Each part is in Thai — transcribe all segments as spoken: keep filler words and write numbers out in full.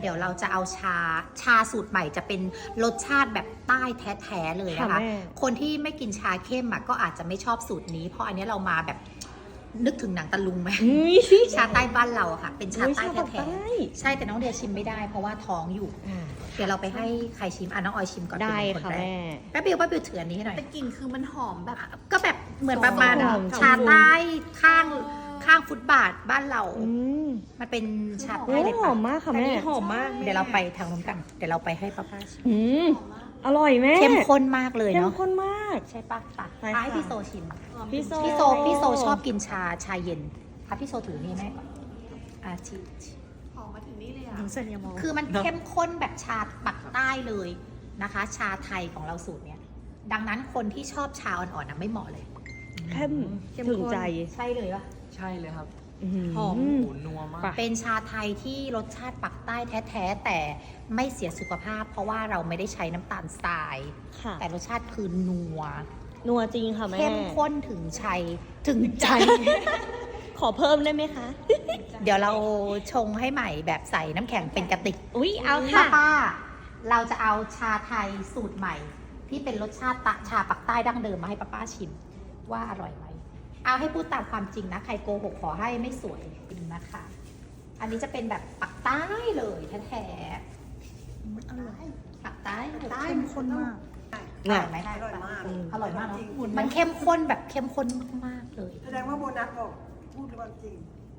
เดี๋ยวเราจะเอาชาชาสูตรใหม่จะเป็นรสชาติแบบใต้แท้ๆเลยนะคะคนที่ไม่กินชาเข้มก็อาจจะไม่ชอบสูตรนี้เพราะอันนี้เรามาแบบนึกถึงหนังตะลุงไหมชาใต้บ้านเราค่ะเป็นชาใต้แท้ๆใช่แต่น้องเดียชิมไม่ได้เพราะว่าท้องอยู่เดี๋ยวเราไปให้ใครชิมอ่ะน้องออยชิมก่อนได้ค่ะแม่แป๊บเดียวแป๊บเดียวถืออันนี้ให้หน่อยแต่กลิ่นคือมันหอมแบบก็แบบเหมือนประมาณชาใต้ข้างข้างฟุตบาทบ้านเรามันเป็นชาใต้เลยหอมมากค่ะแม่หอมมากเดี๋ยวเราไปทางนู้นกันเดี๋ยวเราไปให้ป้าป้าชิมอร่อยแม่เข้มข้นมากเลยเนาะเข้มข้นมากใช่ปะตัดให้พี่โซชิมพี่โซพี่โซพี่โซชอบกินชาชาเย็นค่ะพี่โซถือนี่แม่ก่อนอาชิหอมมาถึงนี่เลยอ่ะคือมันเข้มข้นแบบชาปักใต้เลยนะคะ ชาไทยของเราสูตรเนี้ยดังนั้นคนที่ชอบชาอ่อนๆนะไม่เหมาะเลยเข้มถึงใจใช่เลยปะใช่เลยครับหอมหูนัวมากเป็นชาไทยที่รสชาติปักใต้แท้ๆแต่ไม่เสียสุขภาพเพราะว่าเราไม่ได้ใช้น้ำตาลทรายแต่รสชาติคือนัวนัวจริงค่ะแม่เข้มข้นถึงชัยถึงใจขอเพิ่มได้ไหมคะเดี๋ยวเราชงให้ใหม่แบบใส่น้ำแข็งเป็นกระติกอุ๊ยเอาค่ะป้าเราจะเอาชาไทยสูตรใหม่ที่เป็นรสชาติตะชาปักใต้ดั้งเดิมมาให้ป้าป้าชิมว่าอร่อยไหมเอาให้พูดตามความจริงนะใครโกหกขอให้ไม่สวยจริงนะคะอันนี้จะเป็นแบบปักใต้เลยแท้ๆอร่อยปักใต้ใต้เข้มข้นมากอร่อยไหมอร่อยมากอร่อยมากเนาะมันเข้มข้นแบบเข้มข้นมากๆเลยแสดงว่าโบนัสบอกพูดความจริง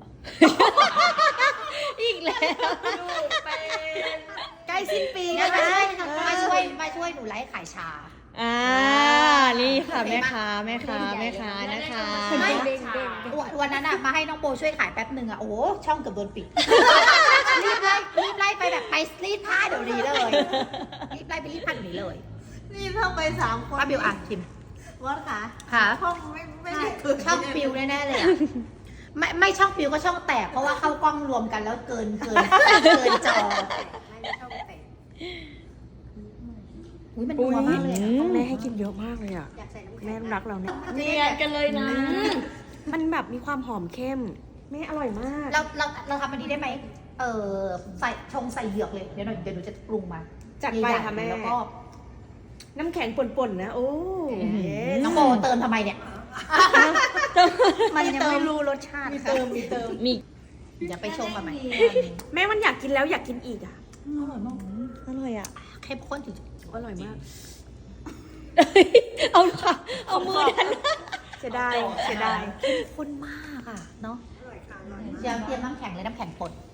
อีกแล้วใกล้สิ้นปีนะคะมาช่วยมาช่วยหนูไลฟ์ขายชาอ่านี่ค่ะแม่ค้าแม่ค้าแม่ค้านะคะวันนั้นอะมาให้น้องโบช่วยขายแป๊บหนึ่งอะโอ้ช่องเกือบโดนปิดรีบไล่รีบไล่ไปแบบไปรีดผ้าเดี๋ยวนี้เลยรีบไล่ไปรีดผ้าเดี๋ยวนี้เลยนี่เท่าไปสามคนป้าบิวอ่ะชิมวัดค่ะค่ะช่องไม่ไม่ได้ช่องปิวแน่ๆเลยไม่ไม่ช่องปิวก็ช่องแตกเพราะว่าเข้ากล้องรวมกันแล้วเกินเกินเกินจออุ้ยมันนัวมากเลยต้องแม่ให้กินเยอะมากเลยอ่ะแม่รักเราเนี่ยเนียนกันเลยนะมันแบบมีความหอมเข้มแม่อร่อยมากเราเราเราทำมันดีได้ไหมเออใส่ชงใส่เหยือกเลยเดี๋ยวหน่อยเดี๋ยวหนูจะปรุงมาจัดไปค่ะแม่แล้วก็น้ำแข็งป่นๆนะโอ้น้องโบเติมทำไมเนี่ยมันยังไม่รู้รสชาติมีเติมมีเติมมีอย่าไปชงมาใหม่แม่มันอยากกินแล้วอยากกินอีกอ่ะอร่อยมากอร่อยอ่ะเข้มข้นจริงอร่อยมากเอาค่ะเอามือดันเสียดายเสียดายเข้มข้นมากอ่ะเนาะเดี๋ยวเตรียมน้ำแข็งเลยน้ำแข็งป่น